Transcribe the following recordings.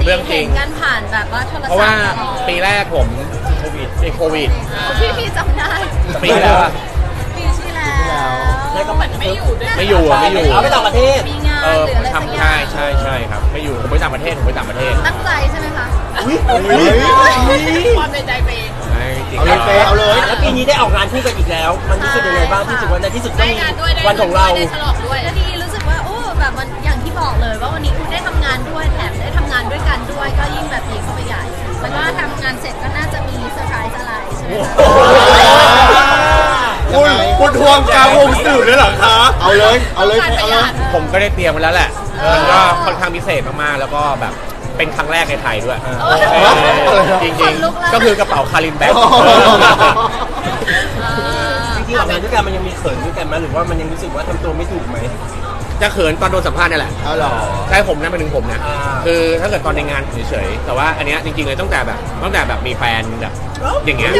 เรื่องจริงกันผ่านแบบว่าโทรศัพท์เพราะว่าปีแรกผมโควิดพี่จำได้ปีแล้วอะปีที่แล้วแล้วก็เหมือนไม่อยู่ด้วยไม่อยู่อะไม่อยู่เอาไปต่างประเทศมีงานหรืออะไรสักอย่างใช่ครับไม่อยู่ผมไปต่างประเทศตั้งใจใช่ไหมคะความในใจเปย์ใช่จริงเอาเลยเป๊ะเอาเลยแล้วปีนี้ได้ออกงานคู่กันอีกแล้ว มันรู้สึกยังไงบ้างที่รู้สึกว่าในที่สุดก็ได้มีงานด้วยได้วันของเราได้ฉลองด้วยก็ดีรู้สึกว่าโอ้แบบมันอย่างที่บอกเลยว่าวันนี้คุณได้ทำงานด้วยแถมได้ทำงานด้วยกันด้วยก็ยิ่งแบบดีเข้าไปใหญ่แล้วก็ทำงานเสร็จก็น่าจะมีเซอร์ไพรส์อะไรใช่ไหมคะคุณทวงกลางวงสื่อเลยเหรอคะเอาเลยเอาเลยต้องการประหยัดผมก็ได้เตรียมไว้แล้วแหละมันก็ค่อนข้างพิเศษมากๆแล้วก็แบบเป็นครั้งแรกในไทยด้วยจริงๆก็คือกระเป๋าคารินแบ็คจริงๆออกงานด้วยกันมันยังมีเขินด้วยกันไหมหรือว่ามันยังรู้สึกว่าทำตัวไม่ถูกไหมจะเขินตอนโดนสัมภาษณ์นี่แหละเอาหรอใช่ผมนะเป็นถึงผมนะอ่าคือถ้าเกิดตอนในงานเฉยๆแต่ว่าอันเนี้ยจริงๆเลยตั้งแต่แบบมีแฟนแบบอย่างเงี้ย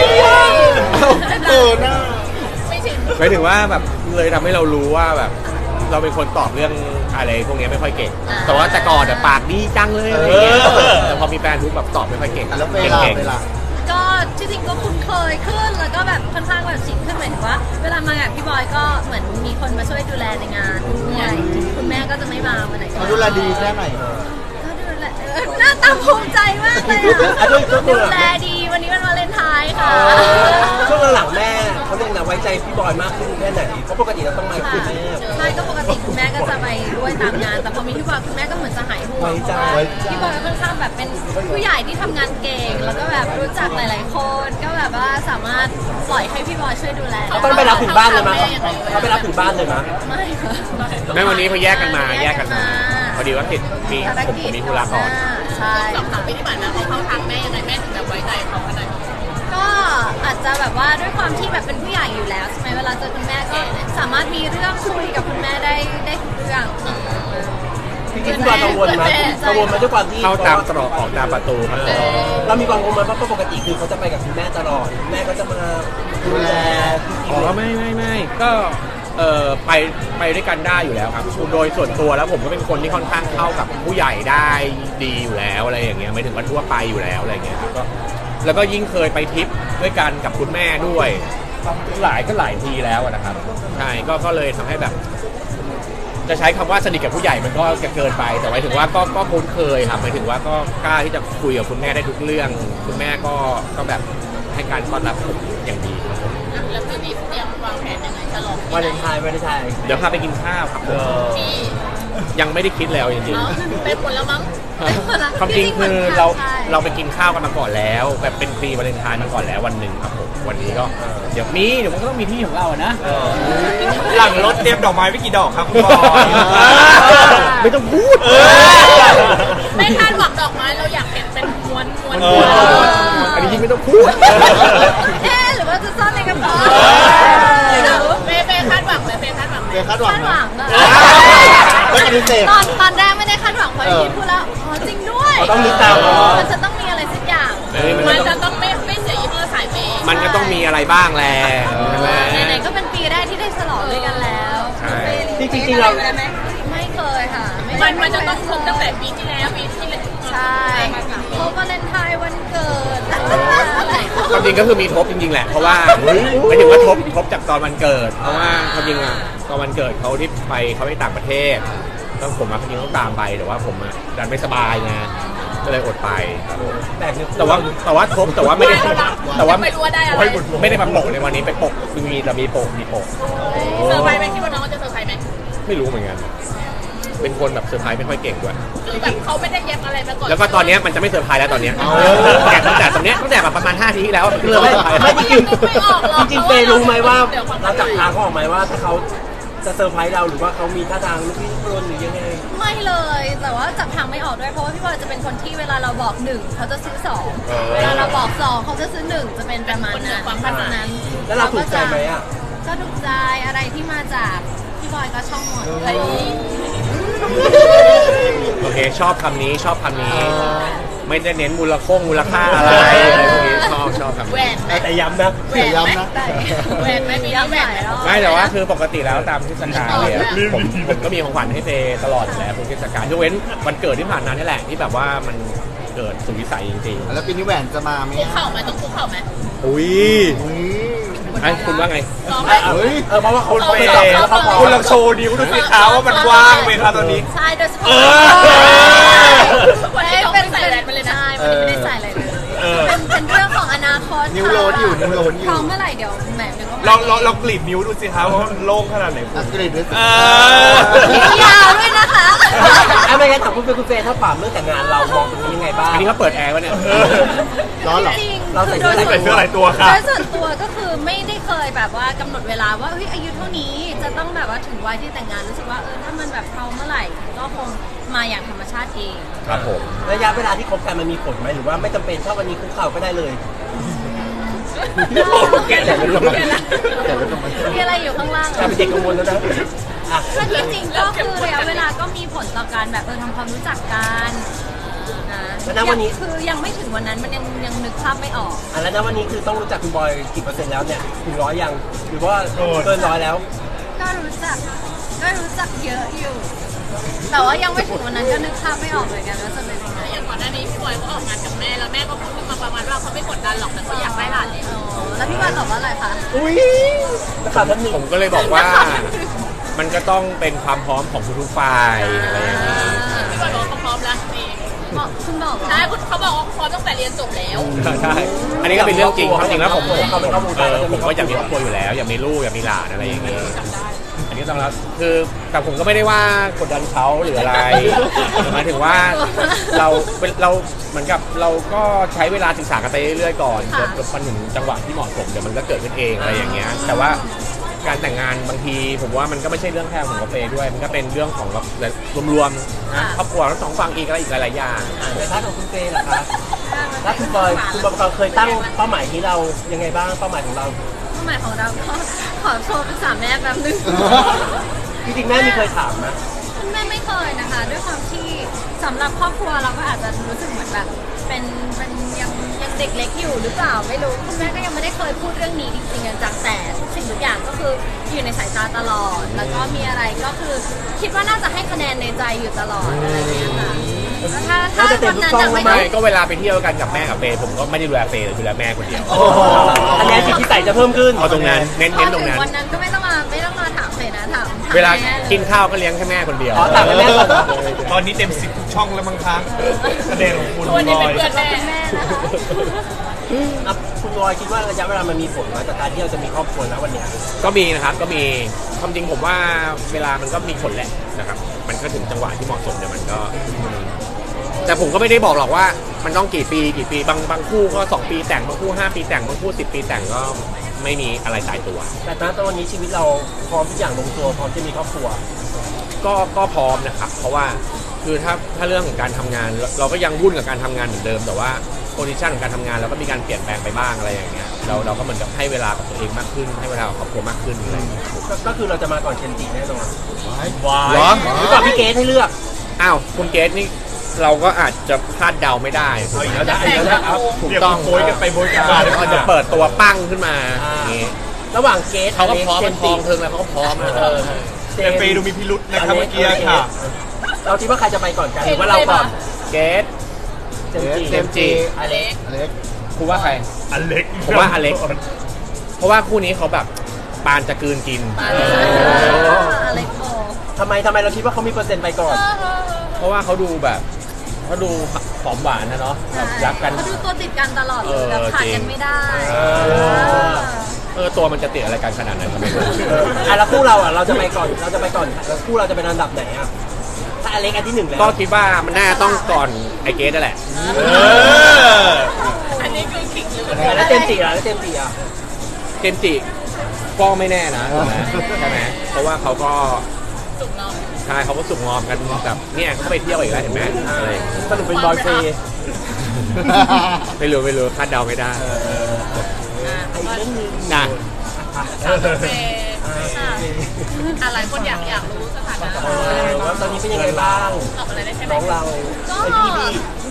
หน้าไม่ชินหมายถึงว่าแบบเลยทำให้เรารู้ว่าแบบเราเป็นคนตอบเรื่องอะไรพวกเนี้ยไม่ค่อยเก่ง แต่ว่าแต่ก่อนปากดีจังเลยอะไรอย่างเงี้ยแต่พอมีแฟนปุ๊บแบบตอบไม่ค่อยเก่งแล้วเวเก่งลาก็ที่จริงก็คุ้นเคยขึ้นแล้วก็แบบค่อนข้างแบบชินขึ้นหมายถึงว่า เวลามากับพี่บอยก็เหมือนมีคนมาช่วยดูแลในงานด้วยคุณแม่ก็จะไม่มาวันไหนก็เขาดูแลดีแค่ไหนก็ดูแลหน้าตาภูมิใจมากเลยอ่ะด้วยตัวดูแลดีวันนี้มันวาเลนไทน์ค่ะช่วงหลังๆแม่เขาเรียกนะไว้ใจพี่บอยมากขึ้นแค่ไหนเพราะปกติเราต้องมาคุยแม่ใช่ก็ปกติคุณแม่ก็จะไปด้วยตามงาน แต่พอมีพี่บอยคุณแม่ก็เหมือนจะหายห่วงไว้ใจพี่บอยค่อนข้างแบบเป็นผู้ใหญ่ที่ทำงานเก่ง แล้วก็แบบรู้จักหลาย ๆ คน ก็แบบว่าสามารถปล่อยให้พี่บอยช่วยดูแลเขาต้องไปรับถึงบ้านเลยมั้ยเขาไปรับถึงบ้านเลยมั้ยไม่ค่ะแม่วันนี้เขาแยกกันมาพอดีว่าติดมีผมมีธุระก่อนใช่ 2-3 ปีที่ผ่านมาเขาเข้าทางแม่ยังไงแม่ถึงแบบไว้ใจเขาขนาดนี้ก็อาจจะแบบว่าด้วยความที่แบบเป็นผู้ใหญ่อยู่แล้วใช่ไหมเวลาเจอคุณแม่ก็สามารถมีเรื่องคุยกับคุณแม่ได้ทุกเรื่องจริงๆพี่บอยกังวลไหมกังวลไหมด้วยความที่เข้าตามตรอกออกตามประตูครับเรามีความกังวลไหมเพราะปกติคือเขาจะไปกับคุณแม่ตลอดแม่ก็จะมาดูแลอ๋อไม่ก็ไปด้วยกันได้อยู่แล้วครับโดยส่วนตัวแล้วผมก็เป็นคนที่ค่อนข้างเข้ากับผู้ใหญ่ได้ดีอยู่แล้วอะไรอย่างเงี้ยไม่ถึงว่าทั่วไปอยู่แล้วอะไรเงี้ยครับก็แล้วก็ยิ่งเคยไปทริปด้วยกันกับคุณแม่ด้วยหลายทีแล้วอะนะครับใช่ก็เลยทำให้แบบ จะใช้คำว่าสนิทกับผู้ใหญ่มันก็จะเกินไปแต่หมายถึงว่าก็คุ้นเคยครับหมายถึงว่าก็กล้าที่จะคุยกับคุณแม่ได้ทุกเรื่องคุณแม่ก็แบบให้การต้อนรับผมอย่างดีครับผมแล้วคืนนี้เตรียมวางแผนยังไงฉลองวาเลนไทน์เดี๋ยวพาไปกินข้าวครับผมที่ยังไม่ได้คิดแล้วจริงเนาะเป็นผลแล้วมั้งๆความจริงคือเราไปกินข้าวกันมาก่อนแล้วแบบเป็นฟรีวาเลนไทน์มาก่อนแล้ววันหนึ่งครับผมวันนี้ก็เดี๋ยวมันก็ต้องมีที่ของเราอะนะหลังรถเตรียมดอกไม้ไม่กี่ดอกครับคุณบอยไม่ต้องพูดไม่คาดหวังดอกไม้เราอยากเห็นเป็นม้วนอันนี้ยิ่งไม่ต้องพูดหรือว่าจะซ่อนในกระเป๋าเป้คาดหวังไหมเป้คาดหวังไหมเดี๋ยวคาดหวังคาดหนะวังอะไม่ปฏิเสธตอนแรกไม่ได้คาดหวังเพราะที่พูดแล้วอ๋อจริงด้วยต้องนึกตามมันจะต้องมีอะไรสักอย่างมันจะต้องไม่เสียยี่ห้อสายเปย์มันก็ต้องมีอะไรบ้างแหละใช่ไหมไหนๆก็เป็นปีแรกที่ได้ฉลองด้วยกันแล้วใช่จริงๆเราไม่เคยค่ะมันจะต้องครบตั้งแต่ปีที่แล้วปีที่แล้วใช่ครบวาเลนไทน์วันเกิดความจริงก็คือมีทบจริงๆแหละเพราะว่าหมายถึงว่าทบจากตอนวันเกิด เพราะว่าความจริงอะตอนวันเกิดเขาที่เขาไปต่างประเทศแล้วผมความจริงต้องตามไปแต่ว่าผมอะดันไม่สบายไงก็เลยอดไปครับผม แต่ว่าทบแต่ว่าไม่ได้แต่ว่าไม่รู้ว่าได้อะไรไม่ได้มาโปะในวันนี้ไปโปะคือมีโปะเซอร์ไพรส์ไหมคิดว่าน้องจะเซอร์ไพรส์ไหมไม่รู้เหมือนกันเป็นคนแบบเซอร์ไพรส์ไม่ค่อยเก่งด้วยคือแบบเขาไม่ได้เย็บอะไรมาก่อนแล้วก็ตอนเนี้ยมันจะไม่เซอร์ไพรส์แล้วตอนเนี้ยแต่ตั้งแต่ตรงเนี้ยตั้งแต่แบบประมาณ5 ทีที่แล้วเริ่มไม่เซอร์ไพรส์ไม่จริงจริงเปย์รู้ไหมว่าเราจับทางเขาออกไหมว่าถ้าเขาจะเซอร์ไพรส์เราหรือว่าเขามีท่าทางลุกลี้ลุกลนหรือยังไงไม่เลย แต่ว่าจับทางไม่ออกด้วยเพราะว่าพี่บอยจะเป็นคนที่เวลาเราบอก1เขาจะซื้อ2เวลาเราบอก2เขาจะซื้อ1จะเป็นประมาณนั้นนั้นแล้วเราถูกใจไหมอ่ะก็ถูกใจอะไรที่มาจากพี่บอยก็ชอบหมดโอเคชอบคำนี้ไม่ได้เน้นมูลค่าอะไรอะไรพวกนี้ชอบครับแหวนไหมแต่ย้ำนะแหวนไหมได้แหวนไหมมีแหวนไหมไม่แต่ว่าคือปกติแล้วตามเทศกาลเนี่ยผมก็มีของขวัญให้เฟย์ตลอดอยู่แล้วทุกเทศกาลยกเว้นวันเกิดที่ผ่านมานี่แหละที่แบบว่ามันเกิดสุดวิสัยจริงแล้วปีนี้แหวนจะมาไหมคุกเข่าไหมต้องคุกเข่าไหมๆอุ้ยไอ้คุณว่าไงลองไหมเพราะว่าเขาคุณเฟย์เขาพอคุณลองโชว์นิ้วดูสิคะว่ามันว่างไหมคะตอนนี้ใช่โดยเฉพาะวันนี้ต้องไม่ใส่แหวนมาเลยนะใช่วันนี้ไม่ได้ใส่อะไรเลยเออเป็นเรื่องของอนาคตนิ้วโลนอยู่นิ้วโลนอยู่พร้อมเมื่อไหร่เดี๋ยวแหมเดี๋ยวก็ลองกรีดนิ้วดูสิคะว่ามันโล่งขนาดไหนอักเรดด้วยสินิ้วยาวด้วยนะคะไม่งั้นถามคุณเฟย์ถ้าปามเรื่องแต่งงานเรามองตรงนี้ยังไงบ้างอันนี้เขาเปิดแอร์วะเนี่ยร้อนเหรอจริงๆเราใส่คือเสื้อโดยใส่เสื้อหลายตัวค่ะโดยส่วนตัวก็คือไม่ได้เคยแบบว่ากำหนดเวลาว่าเฮ้ยอายุเท่านี้จะต้องแบบว่าถึงวัยที่แต่งงานรู้สึกว่าถ้ามันแบบพร้อมเมื่อไหร่ก็คงมาอย่างธรรมชาติเองครับผมระยะเวลาที่คบกันมันมีผลไหมหรือว่าไม่จำเป็นถ้าวันนี้คุกเข่าก็ได้เลยแต่ไม่รู้ทำไมมีอะไรอยู่ข้างล่างกลายเป็นเด็กกังวลแล้วนะอ่ะถ้าที่จริงก็คือระยะเวลาก็มีผลต่อการแบบทำความรู้จักกันนะแล้วณวันนี้คือยังไม่ถึงวันนั้นมันยังนึกภาพไม่ออกแล้วณวันนี้คือต้องรู้จักคุณบอยกี่เปอร์เซ็นต์แล้วเนี่ยถึงร้อยยังหรือว่าเกินร้อยแล้วก็รู้จักเยอะอยู่ แต่ว่ายังไม่ถึงวันนั้นก็นึกภาพไม่ออกเหมือนกันว่าจะเป็นยังไงอย่างก่อนหน้านี้พี่บอยเขาออกงานกับแม่แล้วแม่ก็พูดขึ้นมาประมาณว่าเขาไม่กดดันหรอกแต่เขาอยากได้หลานเลยอ๋อแล้วพี่วันตอบว่าอะไรคะอุ้ยนักข่าวท่านหนึ่งผมก็เลยบอกว่า มันก็ต้องเป็นความพร้อมของทุกๆฝ่ายอะไรอย่างนี้พี่บอยบอกว่าเขาพร้อมแล้วนี่บอกคุณบอกเหรอใช่เขาบอกว่าเขาพร้อมตั้งแต่เรียนจบแล้วใช่อันนี้ก็เป็นเรื่องจริงความจริงแล้วผมเขาเป็นข้อมูลผมก็อยากมีครอบครัวอยู่แล้ว อยากมีลูกอยากมีหลานอะไรอย่างนี้ อันนี้ต้องรับคือแต่ผมก็ไม่ได้ว่ากดดันเขาหรืออะไรหมายถึงว่าเราเหมือนกับเราก็ใช้เวลาศึกษากันไปเรื่อยๆก่อนจนมันถึงจังหวะที่เหมาะสมเดี๋ยวมันก็เกิดขึ้นเองอะไรอย่างเงี้ยแต่ว่าการแต่งงานบางทีผมว่ามันก็ไม่ใช่เรื่องแค่ของกาแฟด้วย มันก็เป็นเรื่องของรวมๆนะครอบครัวทั้งสองฝั่งอีกอะไรอีกหลายๆอย่างแต่ถ้าของคุณเฟย์ล่ะคะถ้าคุณบอยเคยตั้งเป้าหมายที่เรายังไงบ้างเป้าหมายของเราเป้าหมายของเราก็ขอโทรปรึกษาแม่แป๊บนึงจริงๆแม่มีเคยถามนะคุณแม่ไม่เคยนะคะ ด้วยความที่สำหรับครอบครัวเราก็อาจจะรู้สึกเหมือนแบบเป็นยังเด็กเล็กอยู่หรือเปล่าไม่รู้คุณแม่ก็ยังไม่ได้เคยพูดเรื่องนี้จริงๆจังแต่ทุกสิ่งทุกอย่างก็คืออยู่ในสายตาตลอด แล้วก็มีอะไรก็คือคิดว่าน่าจะให้คะแนนในใจอยู่ตลอดอะไรอย่างเงี้ยค่ะแล้วถ้าวันนั้นจะไม่ไม่ได้ก็เวลาไปเที่ยวกันกับแม่กับเฟย์ผมก็ไม่ได้ดูแลเฟย์ดูแลแม่คนเดียวอันนี้จิตที่ใส่จะเพิ่มขึ้นเอาตรงนั้นเน้นตรงนั้นวันนั้นก็ไม่ต้องมาถามเลยนะถามเวลาแม่ยกินข้าวก็เลี้ยงแค่แม่คนเดียวอ๋อต่างกันแม่ก่อนเหรอตอนนี้เต็ม10ทุกช่องแล้วมั้งคะประเด็นของคุณทุกวันนี้บเป็นอยเพื่อนแม่เป็นแม่นะคะอ่ะคุณบอยคิดว่าระยะเวลามันมีผลไหมจากการที่เราจะมีครอบครัวแล้ววันเนี้ยก็มีนะครับก็มีความจริงผมว่าเวลามันก็มีผลแหละนะครับ มันก็ถึงจังหวะที่เหมาะสมเดี๋ยวมันก็ แต่ผมก็ไม่ได้บอกหรอกว่ามันต้องกี่ปีบางคู่ก็2 ปีแต่งบางคู่5 ปีแต่งบางคู่10 ปีแต่งก็ไม่มีอะไรตายตัวแต่ณตอนนี้ชีวิตเราพร้อมทุกอย่างลงตัวพร้อมจะมีครอบครัวก็พร้อมนะครับ เพราะว่าคือถ้าเรื่องของการทำงานเราก็ยังวุ่นกับการทำงานเหมือนเดิม แต่ว่าโพซิชันของการทำงานเราก็มีการเปลี่ยนแปลงไปบ้างอะไรอย่างเงี้ยเราก็เหมือนกับให้เวลากับตัวเองมากขึ้น ให้เวลากับครอบครัวมากขึ้นอะไรอย่างเงี้ยก็คือเราจะมาก่อนเคนจิแน่นอนว้าเหรอยหรือก่อนพี่เกสให้เลือกอ้าวคุณเกสนี่เราก็อาจจะคาดเดาไม่ได้ถูกเอาอีกไหมแล้วนะเอาอีกแล้วนะเอาถูกเดี๋ยวต้องโบยกันไปโบยกันมาเดี๋ยวเขาจะเปิดตัวปั้งขึ้นมาอ่าอย่างงี้ระหว่างเกสเขาก็พร้อมเจมันนทจิองเทิงแล้วเขาก็พร้อมนะแต่เฟย์ดูมีพิรุษนะครับเมื่อกี้ค่ะเราคิดว่าใครจะไปก่อนกันหรือว่าเราก่อนเกสเจมส์เจมส์จิอเล็กเล็กคุณว่าใครอเล็กผมว่าอเล็ก เพราะว่าคู่นี้เขาแบบปานจะกลืนกินอะไรโกทำไมเราคิดว่าเขามีเปอร์เซ็นต์ไปก่อนเพราะว่าเขาดูแบบเขาดูหอมหวานนะเนาะแบบรักกันเขาดูตัวติดกันตลอดเลยแบบขาดกันไม่ได้ตัวมันจะติดอะไรกันขนาดนั้นก็ไม่รู้แล้วคู่เราอ่ะเราจะไปก่อนแล้วคู่เราจะเป็นอันดับไหนอ่ะถ้าอเล็กอันที่หนึ่งแล้วก็คิดว่ามันน่าต้องก่อนไอเกสนั่นแหละอันนี้คือขิงหรือแล้วเจมส์จิอ่ะแล้วเจมส์จิอ่ะเจมส์จิก็ไม่แน่นะถูกไหมใช่ไหมเพราะว่าเขาก็สุกเนาะใช่เขาก็สุกงอมกันแบบเนี่ยเขาไปเที่ยวอีกแล้วเห็นไหมอะไรอย่างเงี้ยสรุปเป็นบอยเฟย์ไม่รู้คาดเดาไม่ได้อีกเรื่องหนึงนะคาเฟ่อะไรคนอยากรู้สถานะว่าตอนนี้เป็นยังไงบ้างตอบอะไรได้ใช่ไหมน้องเราก็ไอ้พี่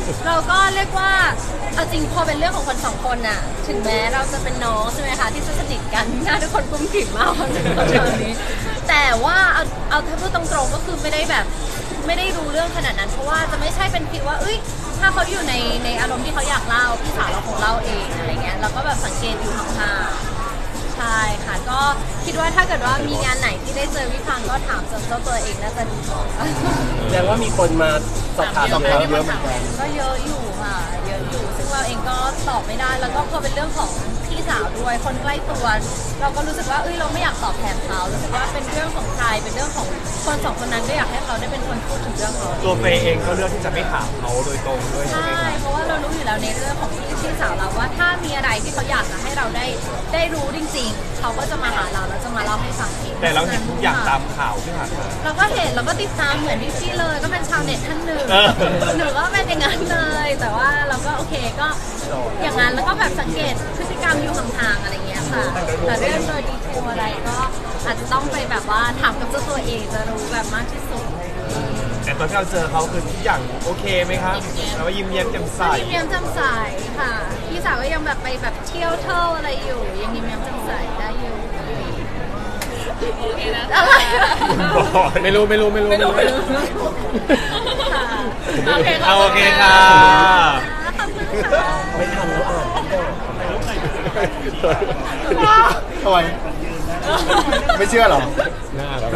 เราก็เรียกว่าเอาจริงพอเป็นเรื่องของคนสองคนน่ะถึงแม้เราจะเป็นน้องใช่ไหมคะที่จะสนิทกันหน้าทุกคนกุ้มกิ่มมากตอนนี้แต่ว่าเอาถ้าพูดตรงๆก็คือไม่ได้แบบไม่ได้รู้เรื่องขนาดนั้นเพราะว่าจะไม่ใช่เป็นฟีลว่าเอ้ยถ้าเขาอยู่ในอารมณ์ที่เขาอยากเล่าพี่สาวเราคงเล่าเองอะไรเงี้ยเราก็แบบสังเกตอยู่ห่างๆใช่ค่ะก็คิดว่าถ้าเกิดว่ามีงานไหนที่ได้เจอพี่พังก็ถามเจ้าตัวเองน่าจะดีกว่าแสดงว่ามีคนมาสอบถามเยอะเหมือนกันก็เยอะอยู่ค่ะเยอะอยู่ซึ่งเราเองก็ตอบไม่ได้แล้วก็พอเป็นเรื่องของพี่สาวด้วยคนใกล้ตัวเราก็รู้สึกว่าเราไม่อยากตอบแทนเขารู้สึกว่าเป็นเรื่องของใครเป็นเรื่องของคนสองคนนั้นก็อยากให้เขาได้เป็นคนพูดถึงเรื่องเขาตัวเฟย์เองก็เลือกที่จะไม่ถามเขาโดยตรงด้วยใช่ไหมใช่ครับเพราะว่าเรารู้อยู่แล้วในเรื่องของพี่สาวเราว่าถ้ามีอะไรที่เขาอยากจะให้เราได้รู้จริงๆเขาก็จะมาหาเราแล้วจะมาเล่าให้ฟังเองแต่เราเห็นทุกอย่างตามข่าวที่ผ่านมาเราก็เห็นเราก็ติดตามเหมือนพี่ๆเลยก็เป็นชาวเน็ตท่านหนึ่งเออหนูก็เป็นอย่างนั้นเลย แต่ว่าเราก็โอเคก็อย่างนั้นแล้วก็แบบสังเกตพฤติกรรมอยู่ห่างๆอะไรเงี้ยค่ะแต่เรื่องโดยดีเทลอะไรก็อาจจะต้องไปแบบว่าถามกับเจ้าตัวเองจะรู้แบบมากที่สุดแต่ตอนที่เราเจอเขาคือทุกอย่างโอเคไหมครับแล้วก็ยิ้มแย้มแจ่มใสยิ้มแย้มแจ่มใสค่ะพี่สาวก็ยังแบบไปแบบเที่ยวเท่าอะไรอยู่ยังยิ้มแย้มแจ่มใสได้อยู่โอเคนะอะไรไม่รู้ค่ะโอเคเอาโอเคค่ะขอบคุณค่ะไม่ทันแล้วอ่านทำไมไม่เชื่อเหรอน่ารัก